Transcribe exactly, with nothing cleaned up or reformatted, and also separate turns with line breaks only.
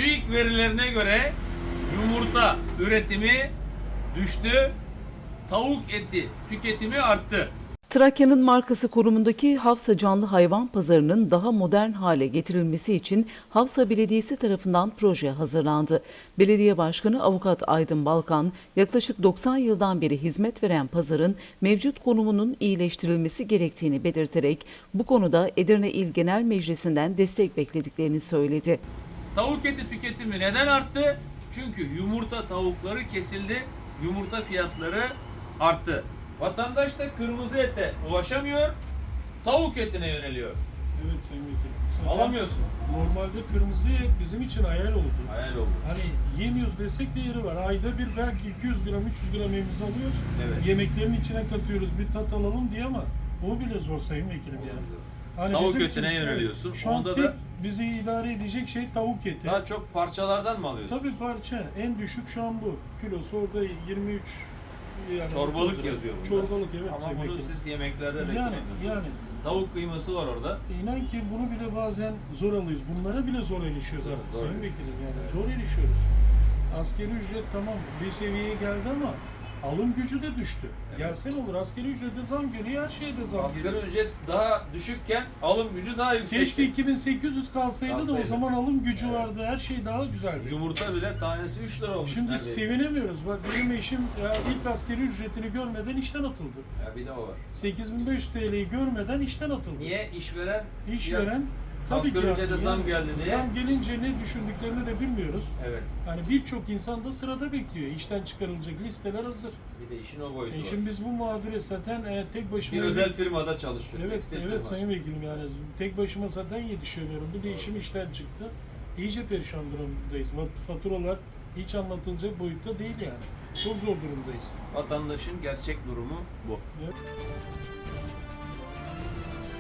TÜİK verilerine göre yumurta üretimi düştü, tavuk eti tüketimi arttı.
Trakya'nın markası konumundaki Havsa Canlı Hayvan Pazarı'nın daha modern hale getirilmesi için Havsa Belediyesi tarafından proje hazırlandı. Belediye Başkanı Avukat Aydın Balkan, yaklaşık doksan yıldan beri hizmet veren pazarın mevcut konumunun iyileştirilmesi gerektiğini belirterek bu konuda Edirne İl Genel Meclisi'nden destek beklediklerini söyledi.
Tavuk eti tüketimi neden arttı? Çünkü yumurta tavukları kesildi, yumurta fiyatları arttı. Vatandaş da kırmızı ete ulaşamıyor, tavuk etine yöneliyor.
Evet Sayın Vekilim.
Alamıyorsun.
Normalde kırmızı et bizim için hayal oldu.
Hayal oldu.
Hani yemiyoruz desek de yeri var. Ayda bir belki iki yüz gram, üç yüz gram evimize alıyoruz.
Evet.
Yemeklerin içine katıyoruz, bir tat alalım diye ama o bile zor Sayın Vekilim yani. Hani
Tavuk
bizim
etine
için-
yöneliyorsun.
Evet, şu an
Onda
tek
da
bizi idare edecek şey tavuk eti.
daha çok parçalardan mı alıyorsun?
Tabii parça. En düşük şu an bu. Kilosu orada yirmi üç. Yani
Çorbalık
otuz lira.
yazıyor bunda.
Çorbalık evet.
Ama
Sayın
bunu
Vekilim.
siz yemeklerde de
Yani,
kullanıyorsunuz.
yani.
Tavuk kıyması var orada.
İnan ki bunu bile bazen zor alıyoruz. Bunlara bile zor erişiyoruz artık
Zor
Sayın
erişiyoruz.
Vekilim yani.
Evet.
Zor erişiyoruz. Asgari ücret tamam bir seviyeye geldi ama alım gücü de düştü.
Evet.
Gelsen olur asgari ücrete zam geliyor, her şeyde zam
Asgari
geliyor.
ücret daha düşükken alım gücü daha yüksek.
Keşke iki bin sekiz yüz kalsaydı, da o
Kalsaydı.
zaman alım gücü
Evet.
vardı, her şey daha güzeldi.
Yumurta bile tanesi üç lira olmuş
Şimdi
neredeyse.
sevinemiyoruz. Bak benim eşim ya ilk asgari ücretini görmeden işten atıldı.
Ya bir de o var.
sekiz bin beş yüz T L'yi görmeden işten atıldı.
Niye işveren
İşveren tabii ki
asgari ücrete
haklı.
zam
Yani
geldi diye.
Zam gelince ne düşündüklerini de bilmiyoruz.
Evet.
Hani birçok insan da sırada bekliyor. İşten çıkarılacak listeler hazır.
Bir de işin o boyutu
E
var.
şimdi biz bu mağduriyet zaten e, tek başıma...
Bir özel firmada çalışıyor.
Evet,
tekstil
evet
firması.
Sayın Vekilim yani tek başıma zaten yetişemiyorum. Bir de işim işten çıktı. İyice perişan durumdayız. Fat- Faturalar hiç anlatılacak boyutta değil yani. Çok zor durumdayız.
Vatandaşın gerçek durumu bu.
Evet.